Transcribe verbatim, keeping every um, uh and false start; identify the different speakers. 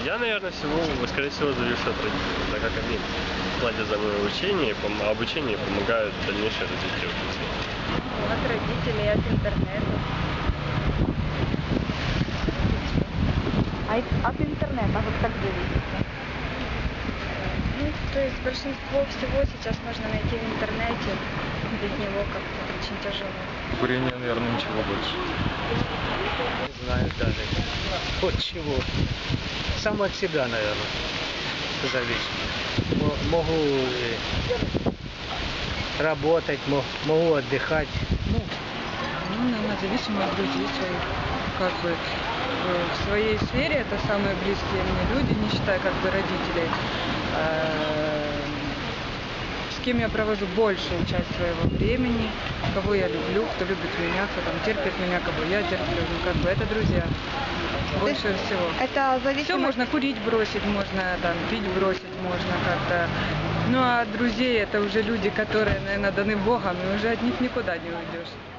Speaker 1: Я, наверное, всего, скорее всего, завишу от родителей, так как они платят за мое обучение, а обучение помогает в дальнейшее развитию детей.
Speaker 2: От родителей, от интернета.
Speaker 3: А и- от интернета вот как зависите?
Speaker 2: Ну, то есть большинство всего сейчас можно найти в интернете. Без него как-то очень тяжело.
Speaker 4: Курение, наверное, ничего больше.
Speaker 5: Не знаю даже от чего. Сам от себя, наверное, зависит. Мо- Могу э, работать, мо- могу отдыхать. Ну,
Speaker 6: Ну, наверное, зависимо от друзей своих. Как бы э, в своей сфере это самые близкие мне люди, не считая как бы родителей. А, С кем я провожу большую часть своего времени, кого я люблю, кто любит меня, кто там терпит меня, кого я терплю. Ну, как бы это друзья. Больше всего.
Speaker 3: Это
Speaker 6: Все
Speaker 3: зависимо...
Speaker 6: можно курить бросить, можно там пить бросить, можно как-то. Ну а друзей это уже люди, которые, наверное, даны Богом, и уже от них никуда не уйдешь.